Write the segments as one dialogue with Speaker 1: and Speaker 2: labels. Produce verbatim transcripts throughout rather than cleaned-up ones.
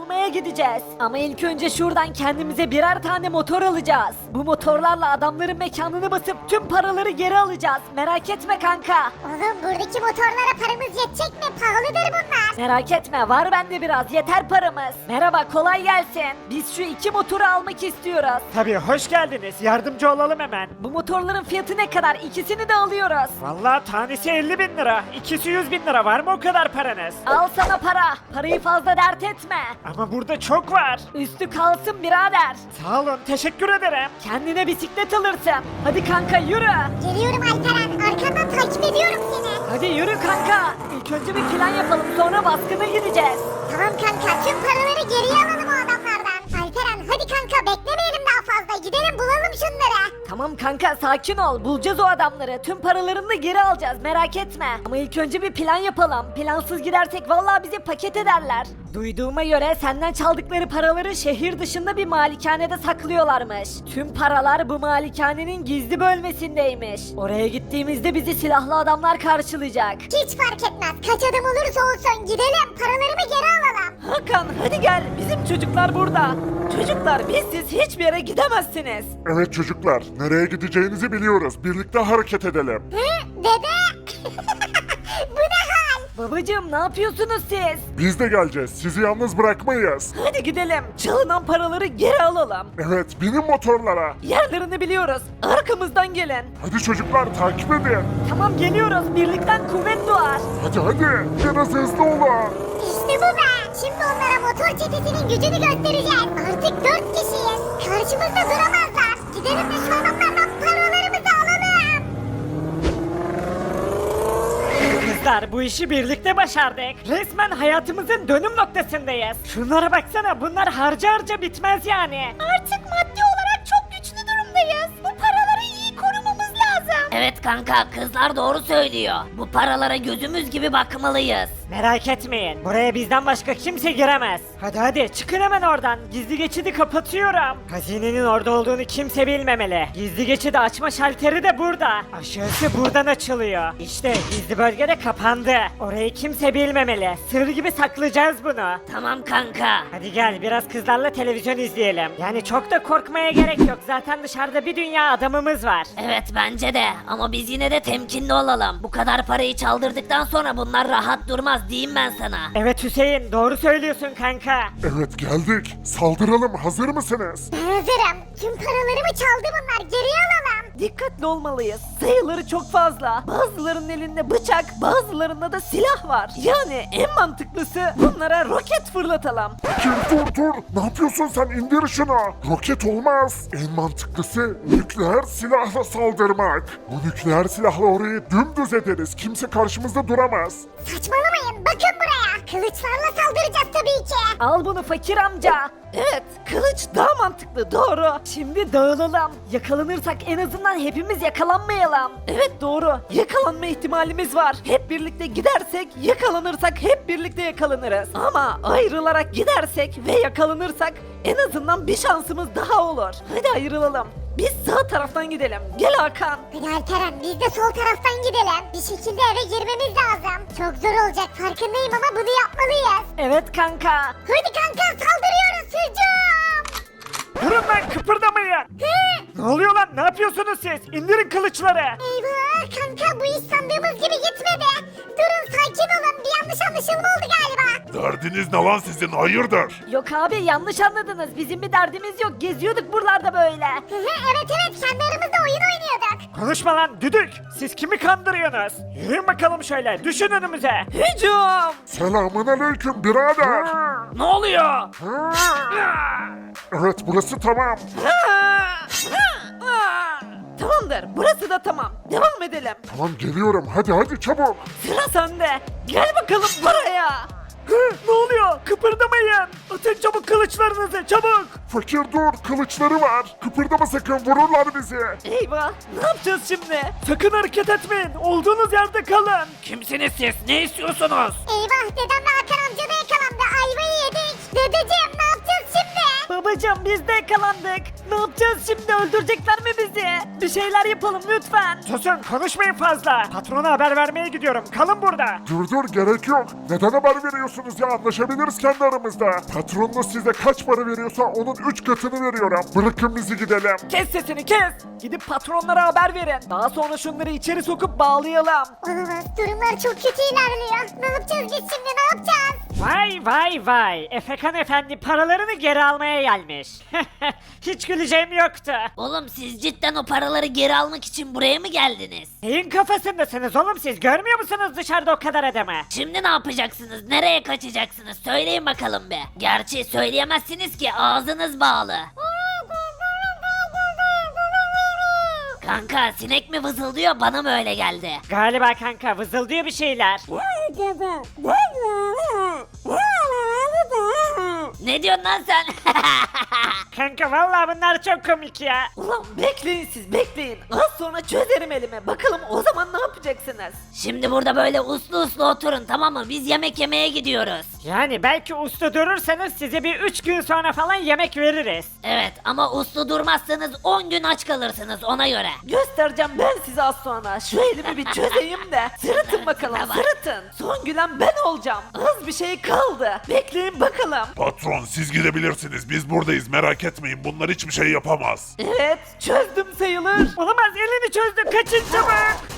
Speaker 1: almaya gideceğiz. Ama ilk önce şuradan kendimize birer tane motor alacağız. Bu motorlarla adamların mekanını basıp tüm paraları geri alacağız. Merak etme kanka.
Speaker 2: Oğlum buradaki motorlara paramız yetecek mi? Pahalıdır bunlar.
Speaker 1: Merak etme, var bende biraz, yeter paramız. Merhaba, kolay gelsin. Biz şu iki motoru almak istiyoruz.
Speaker 3: Tabii, hoş geldiniz. Yardımcı olalım hemen.
Speaker 1: Bu motorların fiyatı ne kadar? İkisini de alıyoruz.
Speaker 3: Vallahi tanesi elli bin lira. İkisi yüz bin lira. Var mı o kadar paranız?
Speaker 1: Al sana para. Parayı fazla dert etme.
Speaker 3: Ama burada çok var.
Speaker 1: Üstü kalsın birader.
Speaker 3: Sağ olun, teşekkür ederim.
Speaker 1: Kendine bisiklet alırsın. Hadi kanka yürü.
Speaker 2: Geliyorum Alperen. Arkandan takip ediyorum seni.
Speaker 1: Hadi yürü kanka. İlk önce bir plan yapalım, sonra baskına gideceğiz.
Speaker 2: Tamam kanka, tüm paraları geriye alalım o adamlardan. Alperen hadi kanka, beklemeyelim daha fazla. Gidelim bulalım şunları.
Speaker 1: Tamam kanka, sakin ol. Bulacağız o adamları. Tüm paralarını da geri alacağız, merak etme. Ama ilk önce bir plan yapalım. Plansız gidersek vallahi bizi paket ederler. Duyduğuma göre senden çaldıkları paraları şehir dışında bir malikanede saklıyorlarmış. Tüm paralar bu malikanenin gizli bölmesindeymiş. Oraya gittiğimizde bizi silahlı adamlar karşılayacak.
Speaker 2: Hiç fark etmez. Kaç adım olursa olsun gidelim. Paralarımı geri alalım.
Speaker 1: Hakan hadi gel, bizim çocuklar burada. Çocuklar, bizsiz hiçbir yere gidemezsiniz.
Speaker 4: Evet çocuklar, nereye gideceğinizi biliyoruz. Birlikte hareket edelim.
Speaker 2: Hı? Dede? Bu ne hal?
Speaker 1: Babacığım, ne yapıyorsunuz siz?
Speaker 4: Biz de geleceğiz. Sizi yalnız bırakmayız.
Speaker 1: Hadi gidelim. Çalınan paraları geri alalım.
Speaker 4: Evet, binin motorlara.
Speaker 1: Yerlerini biliyoruz. Arkamızdan gelin.
Speaker 4: Hadi çocuklar, takip edin.
Speaker 1: Tamam, geliyoruz. Birlikten kuvvet doğar.
Speaker 4: Hadi hadi, biraz hızlı olun.
Speaker 2: İşte bu be. Şimdi onlara motor çetesinin gücünü göstereceğiz. Artık dört kişiyiz. Karşımızda duramazlar. Gidelim de şu adamlardan paralarımızı alalım.
Speaker 3: Kızlar, bu işi birlikte başardık. Resmen hayatımızın dönüm noktasındayız. Şunlara baksana, bunlar harca harca bitmez yani.
Speaker 2: Artık maddi olarak çok güçlü durumdayız. Bu paraları iyi korumamız lazım.
Speaker 5: Evet kanka, kızlar doğru söylüyor. Bu paralara gözümüz gibi bakmalıyız.
Speaker 3: Merak etmeyin, buraya bizden başka kimse giremez. Hadi hadi, çıkın hemen oradan. Gizli geçidi kapatıyorum. Hazinenin orada olduğunu kimse bilmemeli. Gizli geçidi açma şalteri de burada. Aşağısı buradan açılıyor. İşte gizli bölge de kapandı. Orayı kimse bilmemeli. Sır gibi saklayacağız bunu.
Speaker 5: Tamam kanka.
Speaker 3: Hadi gel, biraz kızlarla televizyon izleyelim. Yani çok da korkmaya gerek yok. Zaten dışarıda bir dünya adamımız var.
Speaker 5: Evet bence de, ama biz yine de temkinli olalım. Bu kadar parayı çaldırdıktan sonra bunlar rahat durmaz diyeyim ben sana.
Speaker 3: Evet Hüseyin, doğru söylüyorsun kanka.
Speaker 4: Evet geldik. Saldıralım, hazır mısınız?
Speaker 2: Ben hazırım. Tüm paralarımı çaldı bunlar. Geriye alalım.
Speaker 1: Dikkatli olmalıyız. Sayıları çok fazla. Bazılarının elinde bıçak, bazılarında da silah var. Yani en mantıklısı bunlara roket fırlatalım.
Speaker 4: Fakir dur dur. Ne yapıyorsun sen? İndir şunu. Roket olmaz. En mantıklısı nükleer silahla saldırmak. Bu nükleer silahla orayı dümdüz ederiz. Kimse karşımızda duramaz.
Speaker 2: Saçmalamayın. Bakın buraya. Kılıçlarla saldıracağız tabii ki.
Speaker 1: Al bunu fakir amca. Evet, kılıç daha mantıklı, doğru. Şimdi dağılalım. Yakalanırsak en azından hepimiz yakalanmayalım. Evet doğru, yakalanma ihtimalimiz var. Hep birlikte gidersek, yakalanırsak hep birlikte yakalanırız. Ama ayrılarak gidersek ve yakalanırsak en azından bir şansımız daha olur. Hadi ayrılalım. Biz sağ taraftan gidelim. Gel Hakan.
Speaker 2: Hadi Alperen, biz de sol taraftan gidelim. Bir şekilde eve girmemiz lazım. Çok zor olacak farkındayım ama bunu yapmalıyız.
Speaker 1: Evet kanka.
Speaker 2: Hadi kanka, saldırıyoruz, hücum.
Speaker 3: Durun lan, kıpırdamayın. Ne oluyor lan, ne yapıyorsunuz siz? İndirin kılıçları.
Speaker 2: Eyvah kanka, bu iş sandığımız gibi gitmedi. Durun, sakin olun, bir yanlış anlaşılma oldu galiba.
Speaker 4: Derdiniz ne lan sizin? Hayırdır?
Speaker 1: Yok abi, yanlış anladınız. Bizim bir derdimiz yok. Geziyorduk buralarda böyle.
Speaker 2: Hı hı, evet evet, kendi aramızda oyun oynuyorduk.
Speaker 3: Konuşma lan düdük. Siz kimi kandırıyorsunuz? Yürüyün bakalım şöyle, düşün önümüze.
Speaker 1: Hücum!
Speaker 4: Selamun aleyküm birader.
Speaker 3: Ne oluyor?
Speaker 4: Evet burası tamam.
Speaker 1: Tamamdır, burası da tamam. Devam edelim.
Speaker 4: Tamam geliyorum. Hadi hadi çabuk.
Speaker 1: Sıra sende. Gel bakalım buraya.
Speaker 3: Hı, ne oluyor? Kıpırdamayın. Atın çabuk kılıçlarınızı, çabuk.
Speaker 4: Fakir dur. Kılıçları var. Kıpırdama sakın. Vururlar bizi.
Speaker 1: Eyvah, ne yapacağız şimdi?
Speaker 3: Sakın hareket etmeyin. Olduğunuz yerde kalın. Kimsiniz siz? Ne istiyorsunuz?
Speaker 2: Eyvah, dedemle Hakan amca da yakalandı, ayvayı yedik. Dedeciğim, ne yapacağız şimdi?
Speaker 1: Babacım biz de yakalandık. Ne yapacağız şimdi, öldürecekler mi bizi? Bir şeyler yapalım lütfen.
Speaker 3: Susun konuşmayın fazla. Patrona haber vermeye gidiyorum. Kalın burada.
Speaker 4: Dur dur gerek yok. Neden haber veriyorsunuz ya? Anlaşabiliriz kendi aramızda. Patronunuz size kaç para veriyorsa onun üç katını veriyorum. Bırakın bizi gidelim.
Speaker 1: Kes sesini kes. Gidip patronlara haber verin. Daha sonra şunları içeri sokup bağlayalım.
Speaker 2: Olamaz, durumlar çok kötü ilerliyor. Ne yapacağız biz şimdi, ne yapacağız?
Speaker 3: Vay vay vay. Efekan efendi paralarını geri almaya gelmiş. Hiç güleceğim yoktu.
Speaker 5: Oğlum siz cidden o paraları geri almak için buraya mı geldiniz?
Speaker 3: Neyin kafasındasınız oğlum siz? Görmüyor musunuz dışarıda o kadar adamı?
Speaker 5: Şimdi ne yapacaksınız? Nereye kaçacaksınız? Söyleyin bakalım be. Gerçi söyleyemezsiniz ki ağzınız bağlı. Kanka sinek mi vızıldıyor, bana mı öyle geldi?
Speaker 3: Galiba kanka vızıldıyor bir şeyler.
Speaker 5: Ne diyorsun lan sen?
Speaker 3: Kanka vallahi bunlar çok komik ya.
Speaker 1: Ulan bekleyin siz bekleyin. Az sonra çözerim elime. Bakalım o zaman ne yapacaksınız?
Speaker 5: Şimdi burada böyle uslu uslu oturun, tamam mı? Biz yemek yemeye gidiyoruz.
Speaker 3: Yani belki uslu durursanız size bir üç gün sonra falan yemek veririz.
Speaker 5: Evet ama uslu durmazsanız on gün aç kalırsınız, ona göre.
Speaker 1: Göstereceğim ben size az sonra. Şu elimi bir çözeyim de. Sırıtın bakalım sırıtın. Son gülen ben olacağım. Az bir şey kaldı. Bekleyin bakalım.
Speaker 4: Patron siz gidebilirsiniz. Biz buradayız merak etmeyin. Bunlar hiçbir şey yapamaz.
Speaker 1: Evet çözdüm sayılır.
Speaker 3: Olamaz elini çözdü kaçın çabuk.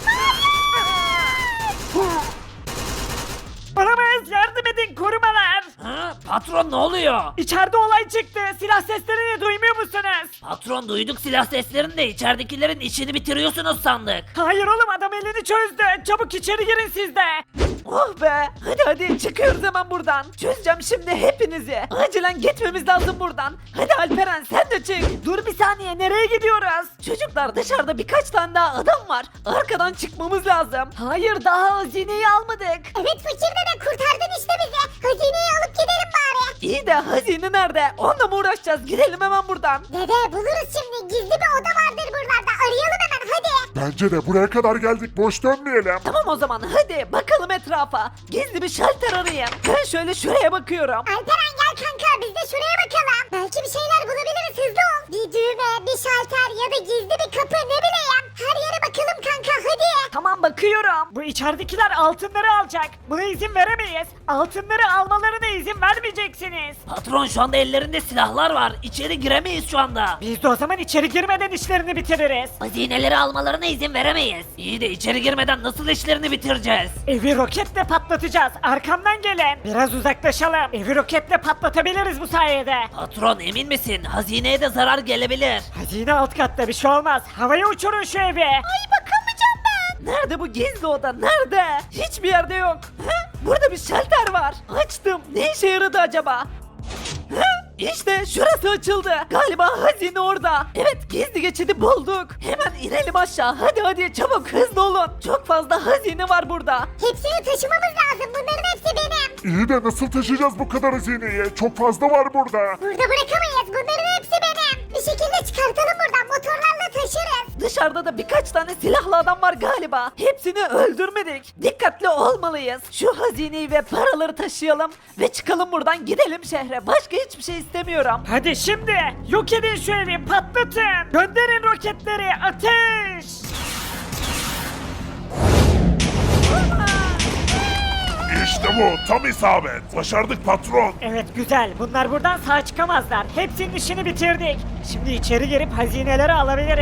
Speaker 3: Olamaz yardım edin korumalar.
Speaker 5: Ha, patron ne oluyor?
Speaker 3: İçeride olay çıktı. Silah seslerini duymuyor musunuz?
Speaker 5: Patron duyduk silah seslerini de içeridekilerin işini bitiriyorsunuz sandık.
Speaker 3: Hayır oğlum adam elini çözdü. Çabuk içeri girin siz de.
Speaker 1: Oh be. Hadi hadi çıkıyoruz hemen buradan. Çözeceğim şimdi hepinizi. Acilen gitmemiz lazım buradan. Hadi Alperen sen de çık. Dur bir saniye nereye gidiyoruz? Çocuklar dışarıda birkaç tane daha adam var. Arkadan çıkmamız lazım. Hayır daha hazineyi almadık.
Speaker 2: Evet fakir dede, kurtardın işte bizi. Hazineyi alıp gidelim bari.
Speaker 1: İyi de hazine nerede? Onunla mı uğraşacağız? Gidelim hemen buradan.
Speaker 2: Dede buluruz şimdi, gizli bir oda vardır buralarda. Arayalım hemen hadi.
Speaker 4: Bence de buraya kadar geldik. Boş dönmeyelim.
Speaker 1: Tamam o zaman hadi bakalım etrafa. Gizli bir şalter arayayım. Ben şöyle şuraya bakıyorum.
Speaker 2: Alperen gel kanka, biz de şuraya bakalım. Belki bir şeyler bulabiliriz, hızlı ol. Bir düğme, bir şalter ya da gizli bir kapı, ne bileyim. Her yere bakalım kanka hadi.
Speaker 1: Tamam bakıyorum.
Speaker 3: Bu içeridekiler altınları alacak. Buna izin veremeyiz. Altınları almalarına izin vermeyeceksiniz.
Speaker 5: Patron şu anda ellerinde silahlar var. İçeri giremeyiz şu anda.
Speaker 3: Biz de o zaman içeri girmeden işlerini bitiririz.
Speaker 5: Hazineleri almalarına izin veremeyiz. İyi de içeri girmeden nasıl işlerini bitireceğiz?
Speaker 3: Evi roketle patlatacağız. Arkamdan gelin. Biraz uzaklaşalım. Evi roketle patlatabiliriz bu sayede.
Speaker 5: Patron emin misin? Hazineye de zarar gelebilir.
Speaker 3: Hazine alt katta bir şey olmaz. Havaya uçurun şu evi.
Speaker 1: Ay bakamayacağım ben. Nerede bu gizli oda? Nerede? Hiçbir yerde yok. He? Burada bir şalter var. Açtım. Ne işe yaradı acaba? He? İşte şurası açıldı. Galiba hazine orada. Evet gizli geçidi bulduk. Hemen inelim aşağı. Hadi hadi çabuk hızlı olun. Çok fazla hazine var burada.
Speaker 2: Hepsini taşımamız lazım, bunların hepsi benim.
Speaker 4: İyi de nasıl taşıyacağız bu kadar hazineyi? Çok fazla var burada.
Speaker 2: Burada bırakamayız, bunların hepsi benim. Bir şekilde çıkartalım buradan, motorlarla taşırız.
Speaker 1: Dışarıda da birkaç tane silahlı adam var galiba. Hepsini öldürmedik. Dikkatli olmalıyız. Şu hazineyi ve paraları taşıyalım ve çıkalım buradan, gidelim şehre. Başka hiçbir şey istemiyorum.
Speaker 3: Hadi şimdi yok edin şu evi patlatın. Gönderin roketleri ateş.
Speaker 4: İşte bu tam isabet. Başardık patron.
Speaker 3: Evet güzel. Bunlar buradan sağ çıkamazlar. Hepsinin işini bitirdik. Şimdi içeri girip hazineleri alabiliriz.